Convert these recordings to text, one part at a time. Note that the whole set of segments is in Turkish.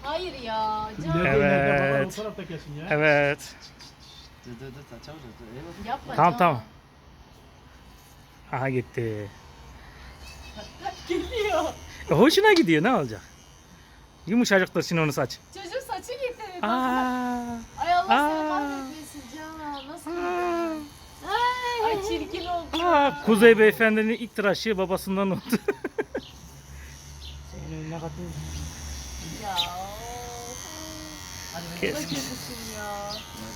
Hayır ya. Evet. O tarafta kesin ya. Evet. Dur çabuk dur. Yapma Tamam Can. tamam. Aha gitti. Geliyor. Hoşuna gidiyor, ne olacak? Yumuşacıktır şimdi onu saç. Çocuğun saçı gitti. Aa. Ay Allah seni Aa. kahretmesin Can. Nasıl gitti? Ay çirkin oldu. Aa, Kuzey Beyefendi'nin ilk tıraşı babasından oldu. Senin ne kadar. Ya. Kes. Çok kötüsün ya.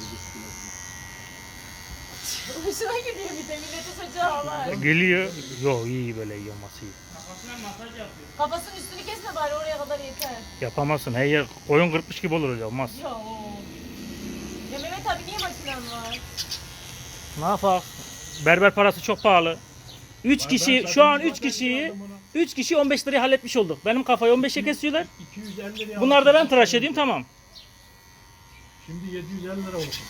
Hoşuna gidiyor bir de millete saçı ağlar. Geliyor. Yo, iyi böyle yiyorması iyi. Kafasının üstünü kesme bari oraya kadar yeter. Yapamazsın. Her yer koyun kırpmış gibi olur öyle, olmaz. Ya. Ya Mehmet abi niye makinen var? Ne yapak? Berber parası çok pahalı. 3 kişi şu an 3 kişi 15 liraya halletmiş olduk. Benim kafayı 15'e kesiyorlar. 250 liraya. Bunlar da ben tıraş edeyim, tamam. Şimdi 750 lira olsun.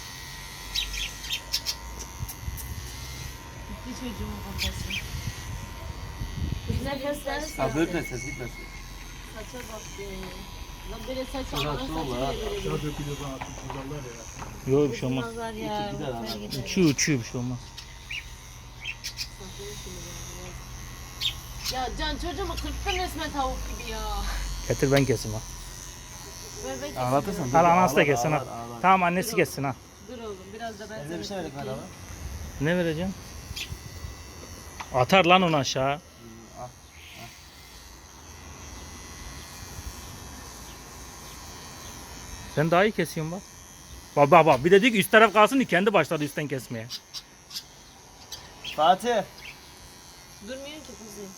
Gitti çocuğun kafası. Güzel göstersin. Ha böyle ses gitmesin. Saça bak be. Lan böyle saç Şurası almanın saçı olur ha. bile böyle. Aşağı dökülüyor bana atmışlarlar ya. Yok, bir şey olmaz. Nazar ya. gider ama. boşver gider. Uçuyor bir şey olmaz. Ya Can çocuğumu kırptın resmen tavuk gibi ya. Getir ben keseyim ha. Ver ben keseyim. Anlatırsan. Al, anası da kessin ha. Tamam, annesi kessin ha. Dur oğlum biraz da ben Evde bir şey verdik kırpayım. bana. Ne vereceğim? Atar lan onu aşağı. Al. Sen daha iyi kesiyorsun bak. Bak bir de diyor ki üst taraf kalsın diye kendi başladı üstten kesmeye. Fatih. Durmuyor ki kuzum.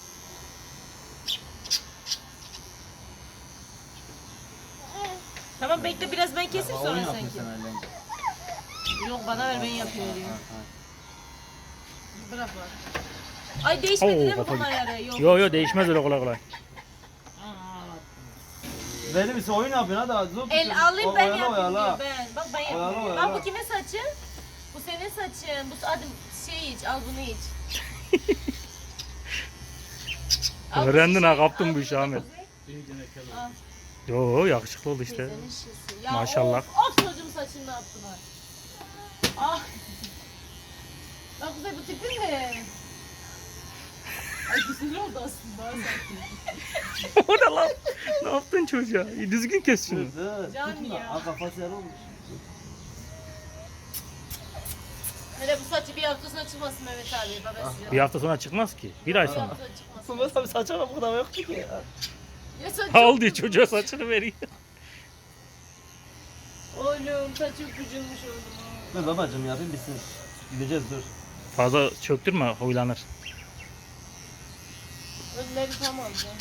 Tamam bekle biraz ben keseyim sonra Oyun sen yapıyorsun kes. sen öyle. Yok bana ver ben yapıyorum. Ha, ha. Bırak bak. Ay değişmedi Oo, değil mi kafa bunlar ayarı? Yok. Yo değişmez öyle kolay kolay. Benim ise oyun yapıyorsun hadi. Zor El alayım ben yapayım oyala. diyor ben. Bak ben Oyala, yapıyorum. oyala. Bak bu kimin saçı? Bu senin saçın. Bu hadi şey iç al bunu iç. Al bu Öğrendin şişeyi, ha, kaptın al bu işi bunu da Ahmet. Kuzey. İyi gene kel Al. Yo, yakışıklı oldu işte. Teyzenin şişesi. Ya Maşallah. Of çocuğum saçını ne yaptılar? Ah. Bak Kuzey bu tipin ne? Ay güzel oldu aslında. O ne lan? Ne yaptın çocuğa? Düzgün kes şunu. Dur. Can Tutma. ya. Al kafası yer olmuş. Hele bu saçı bir hafta sonra çıkmasın Mehmet abi. Babası. Bir hafta sonra çıkmaz ki. Bir ay Bir sonra. hafta çıkmasın. Sunmaz abi saçma bu kadar yoktu ki ya. Ya saçım. Al diye çocuğa saçını veriyor. Oğlum saçım küçülmüş oldu. Dur babacım yapayım bitsin. Gideceğiz dur. Fazla çöktürme, huylanır. Önleri tam alacağım.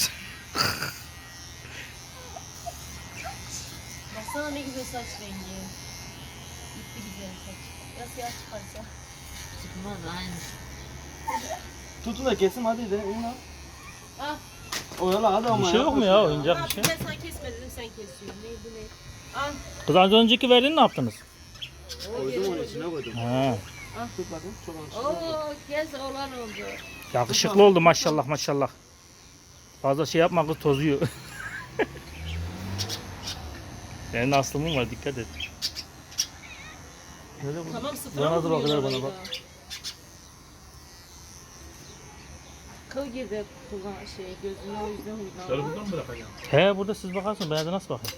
Baksana ne güzel saç rengi. Gitti güzel saç. Ya siyah çıkarsa. Çıkmaz aynı. Tutun da kesim hadi gidelim. İn lan. Ah. Oyala hadi ama. Bir şey yok mu ya, oyuncak bir şey? Ben sana kesme dedim sen kesiyorsun. Neydi ne? Al. Kız az önceki verdiğini ne yaptınız? Koydum onu içine koydum. Ha, Tut bakayım. Çok alışık. Oo kes olan oldu. yakışıklı oldu maşallah maşallah. Fazla şey yapma kız, tozuyor. Senin aslımın var, dikkat et. Tamam sıfıra Bana mı da bak, vuruyor bana orayı bak. da? Kıl girdi kulağın şey gözüne o yüzden huylandı. Sarı buradan mı bırakacağım? He, burada siz bakarsınız, ben de nasıl bakayım?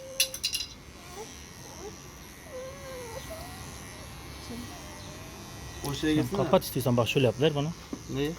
O şeye Sen gitsin kapat istiyorsan, bak şöyle yap, ver bana. Neyi?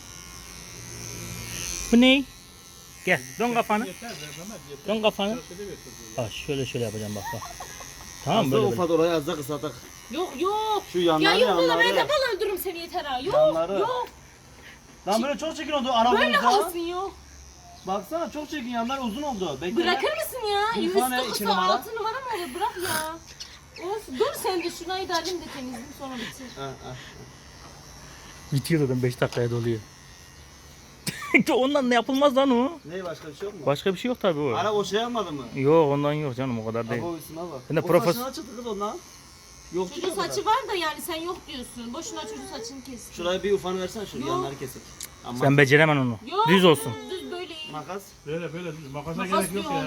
Bu ne? Gel, dön kafanı. Yeter be Mehmet yeter. Dön kafanı. Çarşıda götür. Bak şöyle yapacağım, bak. Tamam Aslında böyle. ufak orayı az da kısaltak. Yok. Şu Ya yanları yok valla ben de yanları. valla öldürürüm seni yeter ha. Yok Yanları. yok. Lan böyle çok çirkin oldu Böyle arabamızda. kalsın yok. Baksana çok çirkin yanlar uzun oldu. Bekle. Bırakır mısın ya? Bir Üstü tane iki kısa numara. 6 numara mı olur? Bırak ya. Of dur sen de şurayı da alayım da temizleyeyim sonra bitir. Ha, ha. Bitiyor zaten, 5 dakikaya doluyor. Ondan ne yapılmaz lan o? Ne başka bir şey yok mu? Başka bir şey yok tabii o. Ara o şey yapmadı mı? Yok, ondan yok canım, o kadar değil. Abi o üstüne bak. Ben de o profes- saçına çıktı kız ondan. Yok Çocuğun saçı var da yani sen yok diyorsun. Boşuna çocuğun saçını kes. Şurayı bir ufanı versen şu Yok. yanları kesik. Ama Sen beceremen onu. Yok. Düz olsun. Düz böyle iyi. makas. Böyle makasa Makas gerek yok diyor. ya.